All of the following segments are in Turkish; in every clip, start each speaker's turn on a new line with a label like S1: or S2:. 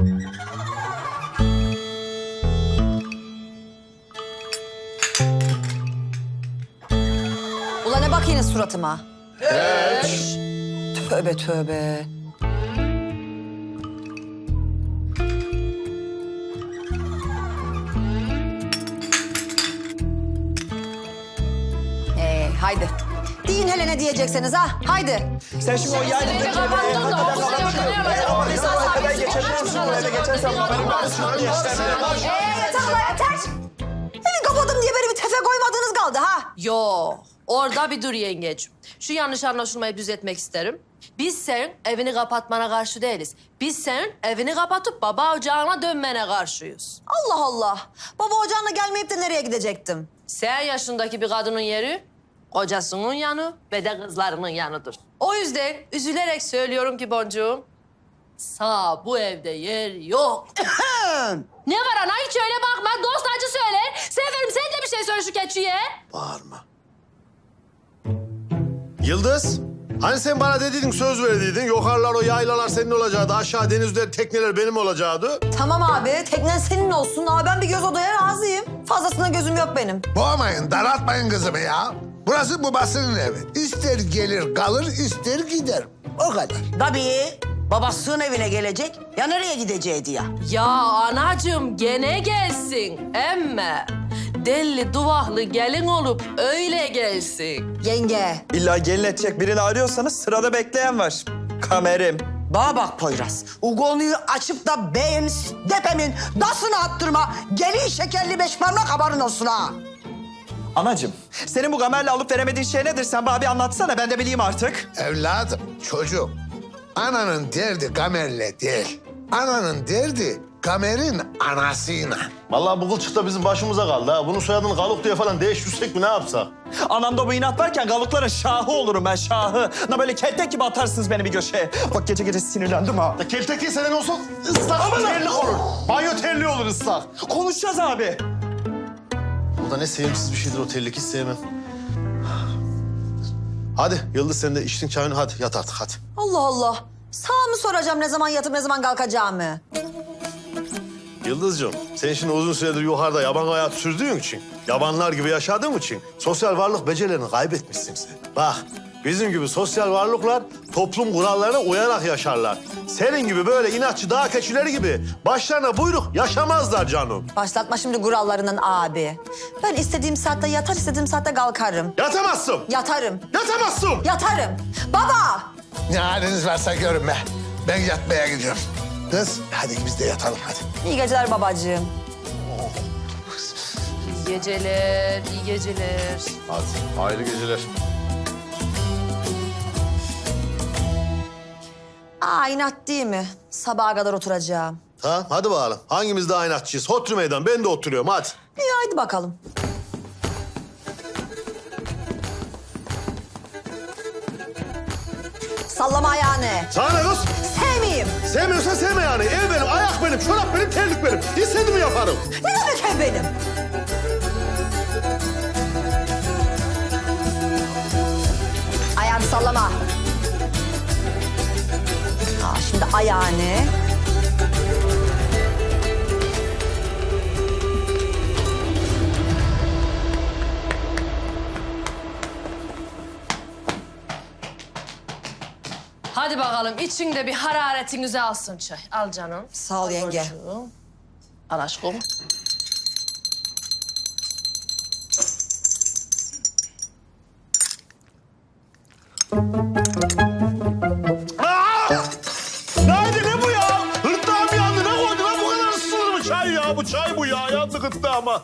S1: Ulan ne bakıyorsun suratıma?
S2: Hiç.
S1: Tövbe tövbe. Haydi. Deyin hele ne diyeceksiniz ha? Haydi.
S3: Sen şimdi o yaylı
S4: Beni kapattın da okul
S1: Yeter ulan yeter. Evi kapadım diye beni bir tefe koymadığınız kaldı ha?
S4: Yo, orada bir dur yengeciğim. Şu yanlış anlaşılmayı düzeltmek isterim. Biz senin evini kapatmana karşı değiliz. Biz senin evini kapatıp baba ocağına dönmene karşıyız.
S1: Allah Allah. Baba ocağına gelmeyip de nereye gidecektim?
S4: Sen yaşındaki bir kadının yeri kocasının yanı ve de kızlarının yanıdır. O yüzden üzülerek söylüyorum ki boncuğum, sağ bu evde yer yok. Ne var ana, hiç öyle bakma. Dost acı söyler. Seferim sen de bir şey söyle şu keçiye.
S2: Bağırma. Yıldız, hani sen bana dediydin, söz verdiydin. Yukarılar o yaylalar senin olacaktı. Aşağı denizler, tekneler benim olacaktı.
S1: Tamam abi, teknen senin olsun. Ama ben bir göz odaya razıyım. Fazlasına gözüm yok benim.
S5: Boğmayın, daraltmayın kızımı ya. Burası babasının evi. İster gelir kalır, ister gider. O kadar.
S6: Tabii. Babasının evine gelecek. Ya nereye gideceğiydi ya?
S4: Ya anacığım gene gelsin. Emme deli duvaklı gelin olup öyle gelsin.
S1: Yenge.
S3: İlla gelin edecek birini arıyorsanız sırada bekleyen var. Kamerim.
S6: Bana bak Poyraz. O konuyu açıp da benim depemin dasını attırma. Gelin şekerli beş parmak haberin olsun ha.
S3: Anacığım, senin bu Gamer'le alıp veremediğin şey nedir? Sen bana bir anlatsana, ben de bileyim artık.
S5: Evladım, çocuk. Ananın derdi Gamer'le değil. Ananın derdi Gamer'in anasıyla.
S2: Vallahi bu kılçık da bizim başımıza kaldı ha. Bunun soyadını Galuk diye falan değiştirsek mi, ne yapsak?
S3: Anamda bu inat varken Galukların şahı olurum ben, şahı. Na böyle keltek gibi atarsınız beni bir köşeye. Bak gece gece sinirlendim ha.
S2: Ya kelteki senin olsun ıslak terlik olur. Banyo terliği olur ıslak.
S3: Konuşacağız abi.
S2: O da ne sevimsiz bir şeydir o terlik, hiç sevmem. Hadi Yıldız, sen de içtin çayını, hadi yat artık hadi.
S1: Allah Allah. Sağ mı soracağım ne zaman yatıp ne zaman kalkacağımı?
S2: Yıldız'cığım, sen şimdi uzun süredir yukarıda yaban hayatı sürdüğün için, yabanlar gibi yaşadığın için sosyal varlık becerilerini kaybetmişsin sen. Bak, bizim gibi sosyal varlıklar toplum kurallarına uyarak yaşarlar. Senin gibi böyle inatçı dağ keçileri gibi başlarına buyruk yaşamazlar canım.
S1: Başlatma şimdi kurallarından abi. Ben istediğim saatte yatar, istediğim saatte kalkarım.
S2: Yatamazsın.
S1: Yatarım.
S2: Yatamazsın.
S1: Yatarım. Baba!
S5: Ne haliniz varsa görün be. Ben yatmaya gidiyorum. Kız, hadi biz de yatalım hadi.
S1: İyi geceler babacığım.
S4: İyi geceler, iyi geceler.
S2: Hadi, hayırlı geceler.
S1: Aa inat değil mi? Sabaha kadar oturacağım.
S2: Ha, hadi bakalım. Hangimiz daha inatçıyız? Otur meydan, ben de oturuyorum, hadi.
S1: İyi haydi bakalım. Sallama ayağını.
S2: Sana ne kız?
S1: Sevmeyeyim.
S2: Sevmiyorsan sevme yani. Ev benim, ayak benim, çorap benim, terlik benim. İstediğimi yaparım.
S1: Ne demek ev benim? Ayağını sallama. Aa, şimdi ayağını.
S4: Hadi bakalım içinde bir hararetinizi alsın çay. Al canım.
S1: Sağ ol
S4: Al
S1: yenge.
S4: boncuğum. Al aşkım.
S2: Neydi, ne bu ya? Hırtlağım yandı, ne koydu lan? Bu kadar ısınır mı çay ya? Bu çay bu ya, yandı gırtlağıma.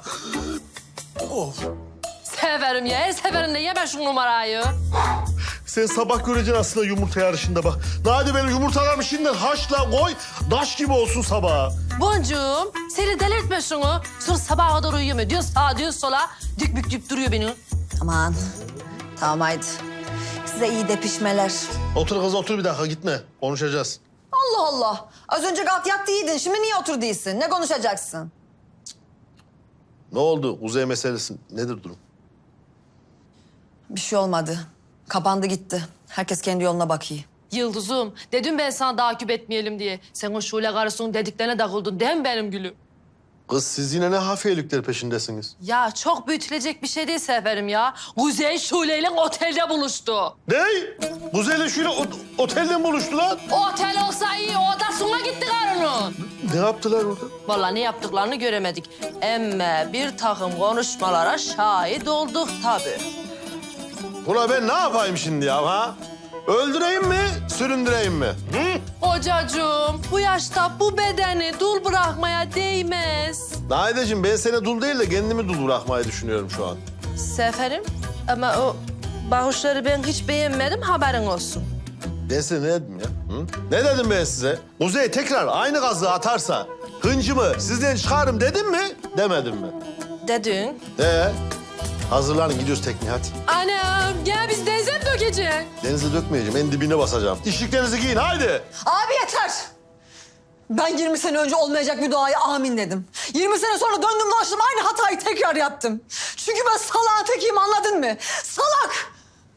S4: Severim ya. Her seferinde yeme şu numarayı.
S2: Sen sabah göreceksin aslında yumurta yarışında bak. Nadi benim yumurtalarımı şimdiden haşla koy, daş gibi olsun sabaha.
S4: Boncuğum, seni delirtme şunu. Sonra sabaha kadar uyuyamıyor. Diyor sağa, diyor sola. Dük bük dük duruyor beni.
S1: Aman. Tamam haydi. Size iyi depişmeler.
S2: Otur kız, otur bir dakika, gitme. Konuşacağız.
S1: Allah Allah. Az önce kalk yat değildin. Şimdi niye otur değilsin? Ne konuşacaksın?
S2: Ne oldu? Kuzey meselesi nedir durum?
S1: Bir şey olmadı. Kapandı gitti. Herkes kendi yoluna bakıyor.
S4: Yıldızım, dedim ben sana takip etmeyelim diye. Sen o Şule karısının dediklerine takıldın değil mi benim gülüm?
S2: Kız siz yine ne hafiyelikler peşindesiniz?
S4: Ya çok büyütülecek bir şey değil Seferim ya. Kuzey Şule ile otelde buluştu.
S2: Ne? Kuzey'le şöyle otelden buluştular.
S4: Otel olsa iyi, odasına gitti karının.
S2: Ne yaptılar orada?
S4: Vallahi ne yaptıklarını göremedik. Ama bir takım konuşmalara şahit olduk tabii.
S2: Ula ben ne yapayım şimdi ya ha? Öldüreyim mi, süründüreyim mi? Hı?
S4: Kocacığım, bu yaşta bu bedeni dul bırakmaya değmez.
S2: Nahideciğim ben seni dul değil de kendimi dul bırakmayı düşünüyorum şu an.
S4: Seferim, ama o bahuşları ben hiç beğenmedim, haberin olsun.
S2: Ben size ne dedim ya? Hı? Ne dedim ben size? Kuzey tekrar aynı gazı atarsa hıncımı sizden çıkarım dedim mi? Demedim mi?
S4: Dedin.
S2: Hazırlanın gidiyoruz tekneye hadi.
S4: Anam, gel biz denize mi dökeceksin?
S2: Denize dökmeyeceğim, en dibine basacağım. İşliklerinizi giyin haydi.
S1: Abi yeter. Ben 20 sene önce olmayacak bir duaya amin dedim. 20 sene sonra döndüm dolaştım aynı hatayı tekrar yaptım. Çünkü ben salağın tekiyim, anladın mı? Salak.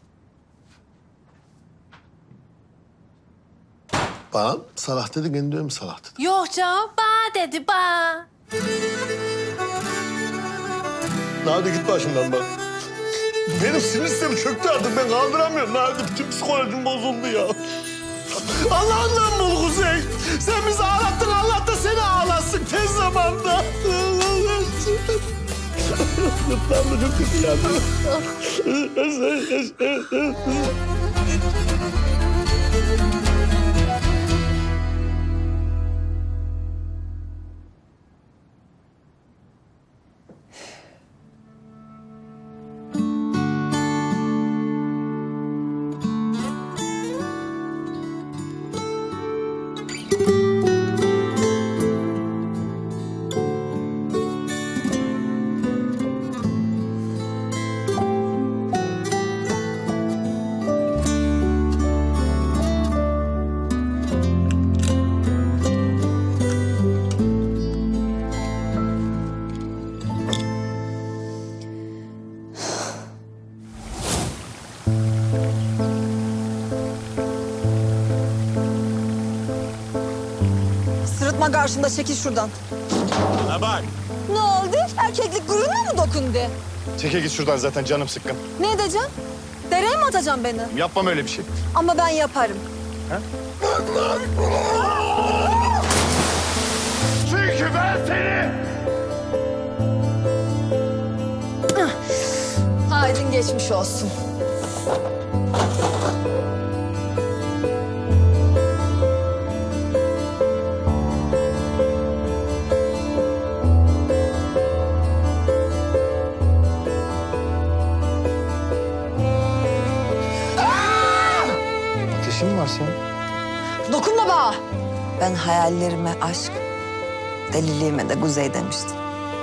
S2: Bana salak dedi, kendi mi salak dedi?
S4: Yok canım, ba dedi ba.
S2: Hadi git başımdan bak. Benim sinir sistemi çöktü artık, ben kaldıramıyorum. Hadi bütün psikolojim bozuldu ya. Allah'ından bul Kuzey. Sen bizi ağlattın, Allah da seni ağlatsın tez zamanda. Gırtlağımda çok kötü geldi.
S1: Sırıtma karşımda, çekil şuradan.
S7: Ha bak.
S1: Ne oldu? Erkeklik gururuna mı dokundu?
S7: Çeke git şuradan, zaten canım sıkkın.
S1: Ne edeceğim? Dereye mi atacaksın beni?
S7: Yapmam öyle bir şey.
S1: Ama ben yaparım.
S7: Çünkü ben seni...
S1: Haydin geçmiş olsun.
S7: Ateşin mi var senin?
S1: Dokunma bana.
S6: Ben hayallerime aşk, deliliğime de Kuzey demiştim.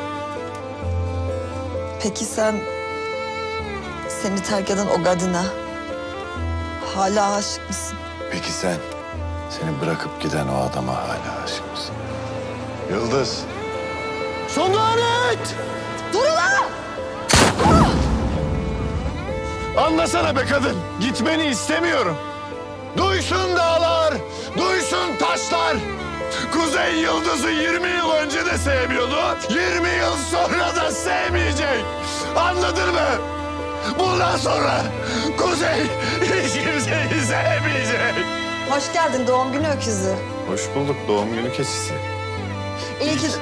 S6: Peki sen seni terk eden o kadına hala aşık mısın?
S7: Peki sen, seni bırakıp giden o adama hala aşık mısın? Yıldız.
S2: Son lanet!
S1: Dur ulan!
S7: Anlasana be kadın. Gitmeni istemiyorum. Duysun dağlar, duysun taşlar. Kuzey Yıldız'ı 20 yıl önce de sevmiyordu. 20 yıl sonra da sevmeyecek. Anladın mı? Bundan sonra Kuzey hiç kimseyi sevmeyecek.
S1: Hoş geldin doğum günü öküzü.
S7: Hoş bulduk, doğum günü keçisi.
S1: İyi ki...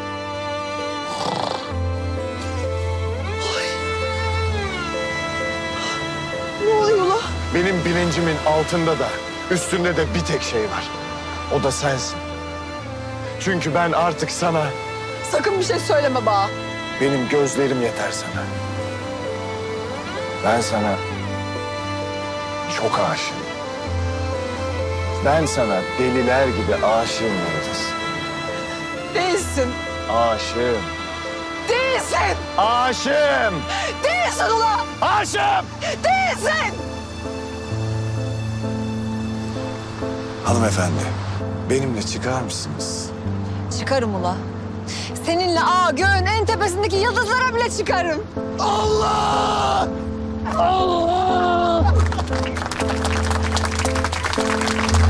S1: Ne oluyor lan?
S7: Benim bilincimin altında da üstünde de bir tek şey var. O da sensin. Çünkü ben artık sana,
S1: Sakın bir şey söyleme bana.
S7: benim gözlerim yeter sana. Ben sana çok aşığım. Ben sana deliler gibi aşığım Yıldız.
S1: Değilsin.
S7: Aşığım.
S1: Değilsin.
S7: Aşığım.
S1: Değilsin ulan.
S7: Aşığım.
S1: Değilsin.
S7: Hanımefendi, benimle çıkar mısınız?
S1: Çıkarım ula. Seninle göğün en tepesindeki yıldızlara bile çıkarım.
S7: Allah! Allah!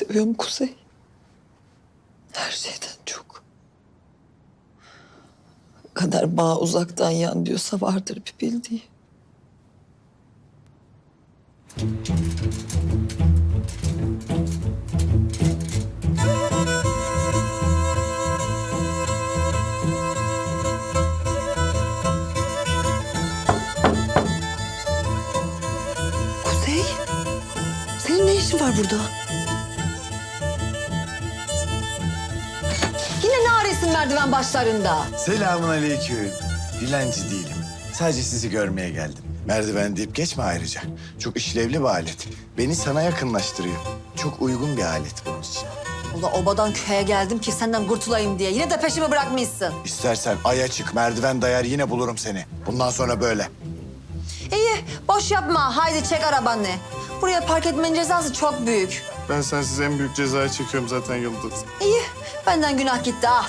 S1: seviyorum Kuzey. Her şeyden çok. Kadar bağ uzaktan yan diyorsa vardır bir bildiği. Kuzey, senin ne işin var burada? Yine ne arıyorsun merdiven başlarında?
S8: Selamun aleyküm. Dilenci değilim. Sadece sizi görmeye geldim. Merdiven deyip geçme ayrıca. Çok işlevli bir alet. Beni sana yakınlaştırıyor. Çok uygun bir alet bunun için.
S1: Ula obadan köye geldim ki senden kurtulayım diye. Yine de peşimi bırakmışsın.
S8: İstersen aya çık, merdiven dayar yine bulurum seni. Bundan sonra böyle.
S1: İyi, boş yapma. Haydi çek arabanı. Buraya park etmenin cezası çok büyük.
S7: Ben sensiz en büyük cezayı çekiyorum zaten Yıldız.
S1: İyi, benden günah gitti ha.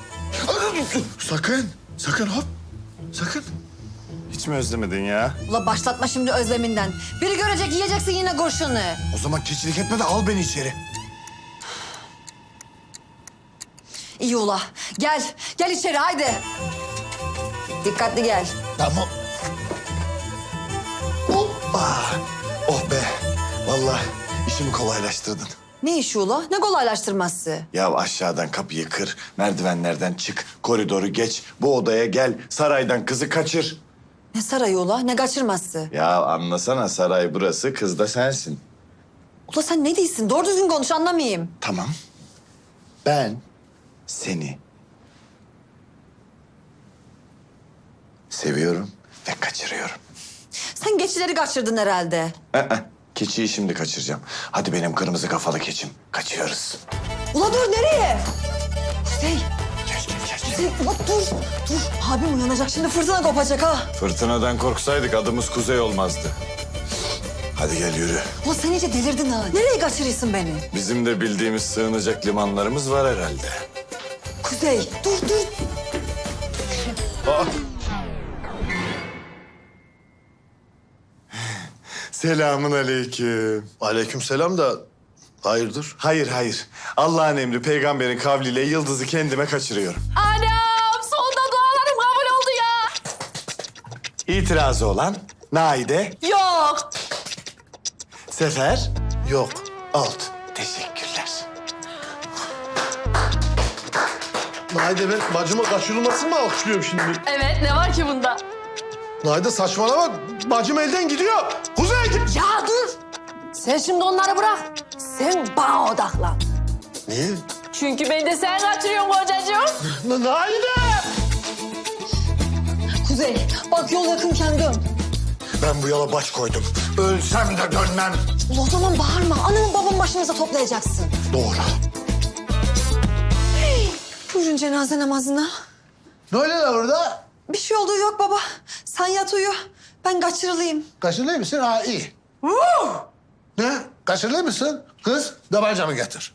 S8: Sakın hop. Sakın. Hiç mi özlemedin ya?
S1: Ula başlatma şimdi özleminden. Biri görecek yiyeceksin yine kurşunu.
S8: O zaman keçilik etme de al beni içeri.
S1: İyi ula. Gel, gel içeri haydi. Dikkatli gel.
S8: Tamam. Hoppa. Oh be. Vallahi işimi kolaylaştırdın.
S1: Ne işi ula? Ne kolaylaştırması?
S8: Ya aşağıdan kapıyı kır, merdivenlerden çık, koridoru geç, bu odaya gel, saraydan kızı kaçır.
S1: Ne sarayı ula? Ne kaçırması?
S8: Ya anlasana, saray burası, kız da sensin.
S1: Ula sen ne diyorsun? Doğru düzgün konuş anlamayayım.
S8: Tamam. Ben seni seviyorum ve kaçırıyorum.
S1: Sen geçileri kaçırdın herhalde.
S8: Keçiyi şimdi kaçıracağım. Hadi benim kırmızı kafalı keçim. Kaçıyoruz.
S1: Ula dur nereye? Kuzey,
S8: Gel gel gel.
S1: Kuzey ula dur. Dur, abim uyanacak şimdi fırtına kopacak ha.
S8: Fırtınadan korksaydık adımız Kuzey olmazdı. Hadi gel yürü.
S1: Ula sen iyice delirdin ha. Nereye kaçırıyorsun beni?
S8: Bizim de bildiğimiz sığınacak limanlarımız var herhalde.
S1: Kuzey, dur dur.
S8: Selamun aleyküm.
S2: Aleykümselam da hayırdır?
S8: Hayır. Allah'ın emri peygamberin kavliyle Yıldız'ı kendime kaçırıyorum.
S4: Anam sonunda dualarım kabul oldu ya.
S8: İtirazı olan Naide,
S4: Yok.
S8: Sefer,
S2: Yok.
S8: Alt. Teşekkürler.
S2: Naide ben bacıma kaçırılmasını mı alkışlıyorum şimdi?
S4: Evet ne var ki bunda?
S2: Naide saçmalama. Bacım elden gidiyor. Kuzey git.
S4: Ya dur. Sen şimdi onları bırak. Sen bana odaklan.
S2: Niye?
S4: Çünkü beni de sen kaçırıyorsun kocacığım.
S2: Naide!
S1: Kuzey, bak yol yakınken dön.
S8: Ben bu yola baş koydum. Ölsem de dönmem.
S1: Ula o zaman bağırma. Anamın babamın başımıza toplayacaksın.
S8: Doğru.
S1: Buyurun cenaze namazına.
S5: Ne oluyor lan orada?
S1: Bir şey olduğu yok baba. Sen yat uyu. Ben kaçırılayım.
S5: Kaçırılıyor musun? Ha iyi. Ne? Kaçırılıyor musun? Kız tabancamı getir.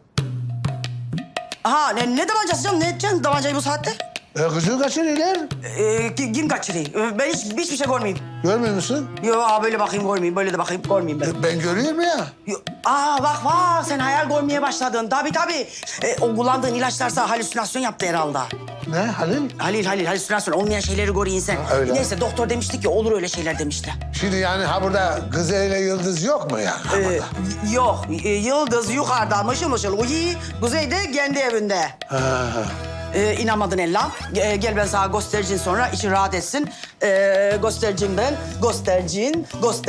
S6: Ha ne davancası canım? Ne edeceksin davancayı bu saatte?
S5: Kızı kaçırıyorlar.
S6: Kim kaçırıyor? Ben hiçbir şey görmeyeyim.
S5: Görmüyor musun?
S6: Yo böyle bakayım görmeyeyim, böyle de bakayım görmeyeyim ben.
S5: Ben görüyorum ya.
S6: Yo, bak sen hayal görmeye başladın. Tabii. O kullandığın ilaçlarsa halüsinasyon yaptı herhalde.
S5: Ne Halil?
S6: Halil halüsinasyon olmayan şeyleri görüyor insan.
S5: öyle.
S6: Neyse doktor demişti ki olur öyle şeyler demişti.
S5: Şimdi yani ha burada kız ile Yıldız yok mu yani? Ha burada?
S6: Yok Yıldız yukarıda mışıl mışıl uyuyor. Kuzey de kendi evinde. İnanmadın Ella. Gel ben sana göstereceğim sonra için rahat etsin. Göstereceğim ben. Göstereceğim.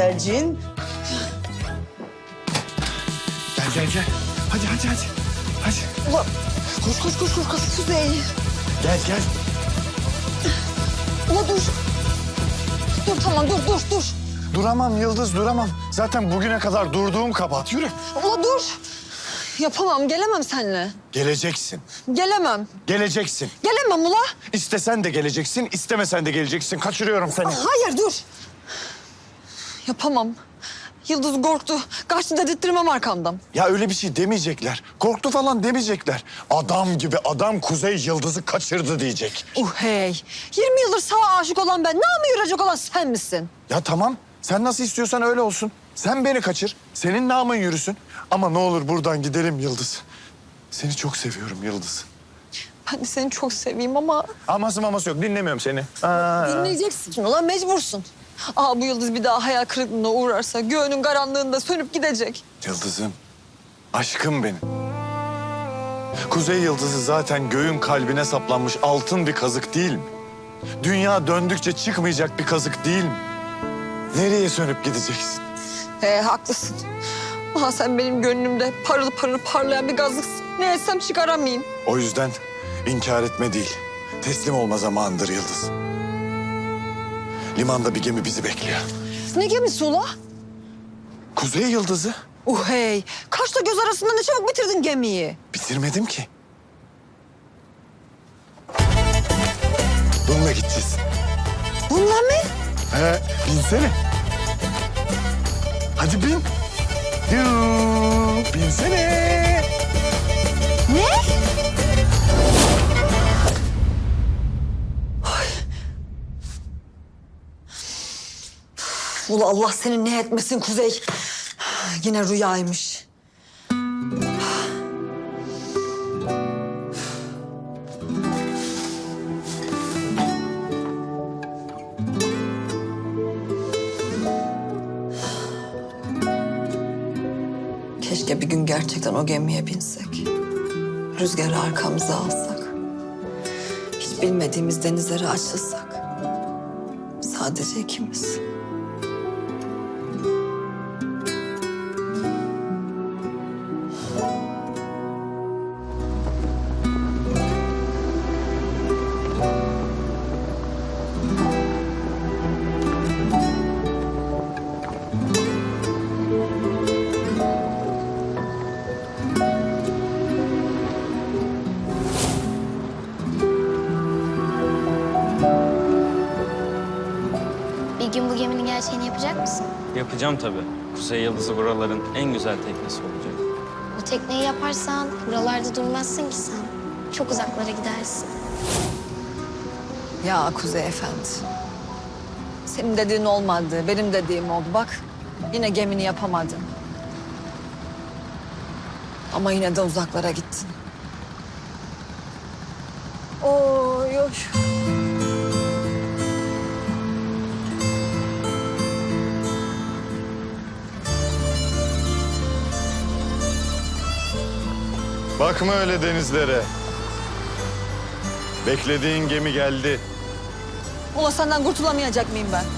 S8: Gel. Hadi.
S1: Ula koş Kuzey.
S8: Gel.
S1: Ula dur. Dur tamam dur.
S8: Duramam Yıldız, duramam. Zaten bugüne kadar durduğum kabahat. Yürü.
S1: Ula dur. Yapamam, gelemem seninle.
S8: Geleceksin.
S1: Gelemem. Gelemem ula.
S8: İstesen de geleceksin, istemesen de geleceksin. Kaçırıyorum seni.
S1: Hayır dur. Yapamam. Yıldız korktu. Kaçtı dedirttirmem arkamdan.
S8: Ya öyle bir şey demeyecekler. Korktu falan demeyecekler. Adam gibi adam Kuzey Yıldız'ı kaçırdı diyecek.
S1: Hey. 20 yıldır sağa aşık olan ben. Namı yürüyecek olan sen misin?
S8: Ya tamam, sen nasıl istiyorsan öyle olsun.
S7: Sen beni kaçır, senin namın yürüsün. Ama ne olur buradan gidelim Yıldız. Seni çok seviyorum Yıldız.
S1: Ben de seni çok seveyim ama
S7: Aması maması yok, dinlemiyorum seni.
S1: dinleyeceksin. Ulan mecbursun. Aa bu Yıldız bir daha hayal kırıklığına uğrarsa göğünün karanlığında sönüp gidecek.
S7: Yıldızım, aşkım benim. Kuzey Yıldızı zaten göğün kalbine saplanmış altın bir kazık değil mi? Dünya döndükçe çıkmayacak bir kazık değil mi? Nereye sönüp gideceksin?
S1: Haklısın. Aha sen benim gönlümde parıl parıl parlayan bir gazlıksın. Ne etsem çıkaramayayım.
S7: O yüzden inkar etme değil, teslim olma zamanıdır Yıldız. Limanda bir gemi bizi bekliyor.
S1: Ne gemisi ula?
S7: Kuzey Yıldızı.
S1: Hey, kaşla göz arasında ne çabuk bitirdin gemiyi.
S7: Bitirmedim ki. Bununla gideceğiz.
S1: Bununla mı?
S7: Binsene. Hadi bin. Binsene.
S1: Ne? Ula Allah senin ne etmesin Kuzey. Yine rüyaymış. Keşke bir gün gerçekten o gemiye binsek. Rüzgarı arkamıza alsak. Hiç bilmediğimiz denizlere açılsak. Sadece ikimiz.
S9: Bir gün bu geminin gerçeğini yapacak mısın?
S10: Yapacağım tabii. Kuzey Yıldızı buraların en güzel teknesi olacak.
S9: Bu tekneyi yaparsan buralarda durmazsın ki sen. Çok uzaklara gidersin.
S1: Ya Kuzey Efendi. Senin dediğin olmadı, benim dediğim oldu. Bak yine gemini yapamadın. Ama yine de uzaklara gittin. Oy oy.
S7: Bakma öyle denizlere. Beklediğin gemi geldi.
S1: Ula senden kurtulamayacak mıyım ben?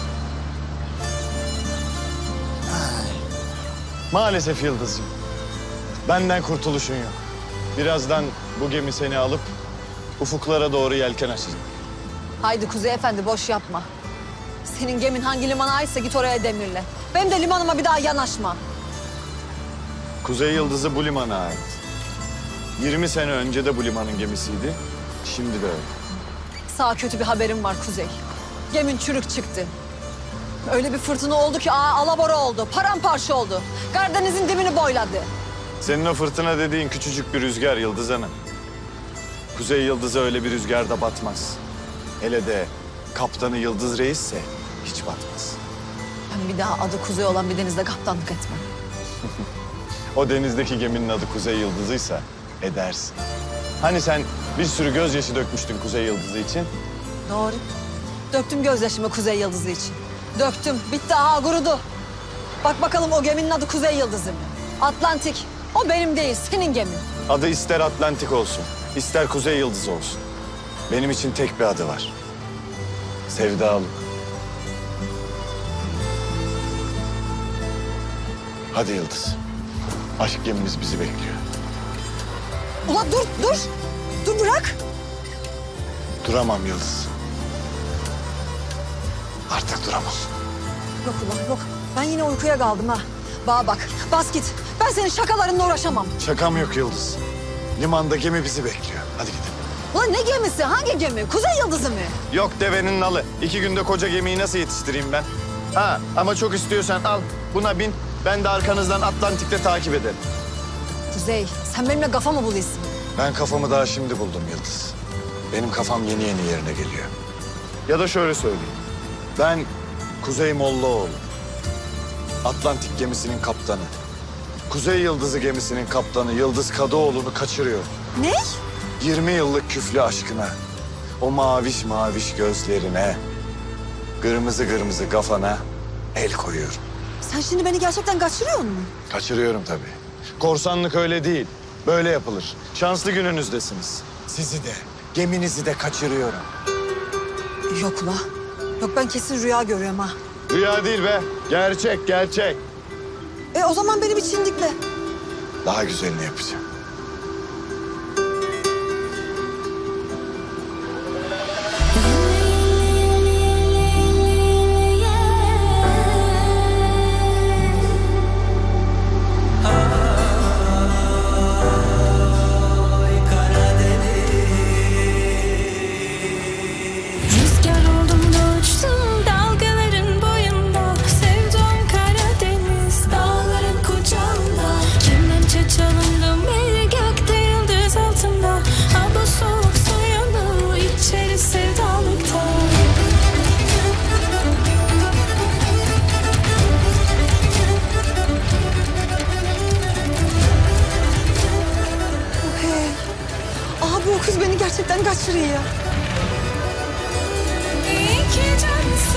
S7: Maalesef Yıldız'cığım. Benden kurtuluşun yok. Birazdan bu gemi seni alıp ufuklara doğru yelken açacak.
S1: Haydi Kuzey Efendi boş yapma. Senin gemin hangi limana aitse git oraya demirle. Benim de limanıma bir daha yanaşma.
S7: Kuzey Yıldızı bu limana ait. 20 sene önce de bu limanın gemisiydi. Şimdi de öyle.
S1: Sağ kötü bir haberim var Kuzey. Gemin çürük çıktı. Öyle bir fırtına oldu ki alabora oldu, paramparça oldu. Karadeniz'in dibini boyladı.
S7: Senin o fırtına dediğin küçücük bir rüzgar Yıldız Hanım. Kuzey Yıldızı öyle bir rüzgarda batmaz. Hele de kaptanı Yıldız Reis'se hiç batmaz.
S1: Ben bir daha adı Kuzey olan bir denizde kaptanlık etmem.
S7: O denizdeki geminin adı Kuzey Yıldızı'ysa edersin. Hani sen bir sürü gözyaşı dökmüştün Kuzey Yıldızı için?
S1: Doğru. Döktüm gözyaşımı Kuzey Yıldızı için. Döktüm. Bitti. Kurudu. Bak bakalım o geminin adı Kuzey Yıldızı mı? Atlantik. O benim değil, senin gemin.
S7: Adı ister Atlantik olsun, ister Kuzey Yıldızı olsun. Benim için tek bir adı var. Sevdalık. Hadi Yıldız. Aşk gemimiz bizi bekliyor.
S1: Ulan dur, dur. Dur bırak.
S7: Duramam Yıldız. Artık duramam.
S1: Yok ulan yok. Ben yine uykuya kaldım ha. Bana bak, bas git. Ben senin şakalarınla uğraşamam.
S7: Şakam yok Yıldız. Limanda gemi bizi bekliyor. Hadi gidelim.
S1: Ulan ne gemisi? Hangi gemi? Kuzey Yıldızı mı?
S7: Yok devenin nalı. 2 günde koca gemiyi nasıl yetiştireyim ben? Ha ama çok istiyorsan al buna bin. Ben de arkanızdan Atlantik'te takip ederim.
S1: Kuzey, sen benimle kafa mı buluyorsun?
S7: Ben kafamı daha şimdi buldum Yıldız. Benim kafam yeni yeni yerine geliyor. Ya da şöyle söyleyeyim. Ben Kuzey Mollaoğlu. Atlantik gemisinin kaptanı. Kuzey Yıldızı gemisinin kaptanı Yıldız Kadıoğlu'nu kaçırıyor.
S1: Ne?
S7: 20 yıllık küflü aşkına, o maviş maviş gözlerine, kırmızı kırmızı kafana el koyuyorum.
S1: Sen şimdi beni gerçekten kaçırıyor musun?
S7: Kaçırıyorum tabii. Korsanlık öyle değil. Böyle yapılır. Şanslı gününüzdesiniz. Sizi de, geminizi de kaçırıyorum.
S1: Yok ula. Yok ben kesin rüya görüyorum ha.
S7: Rüya değil be. Gerçek, gerçek.
S1: O zaman beni bir çindikle.
S7: Daha güzelini yapacağım.
S11: Rüzgar oldum da uçtum dalgaların boyunda. Sevdum Karadeniz dağların kucağında. Kemençe çalındım bir gökte yıldız altında. Ha bu soğuk suyunu içeri sevdalıkta.
S1: Abi o kız beni gerçekten kaçırıyor ya.
S11: İyi ki cansın.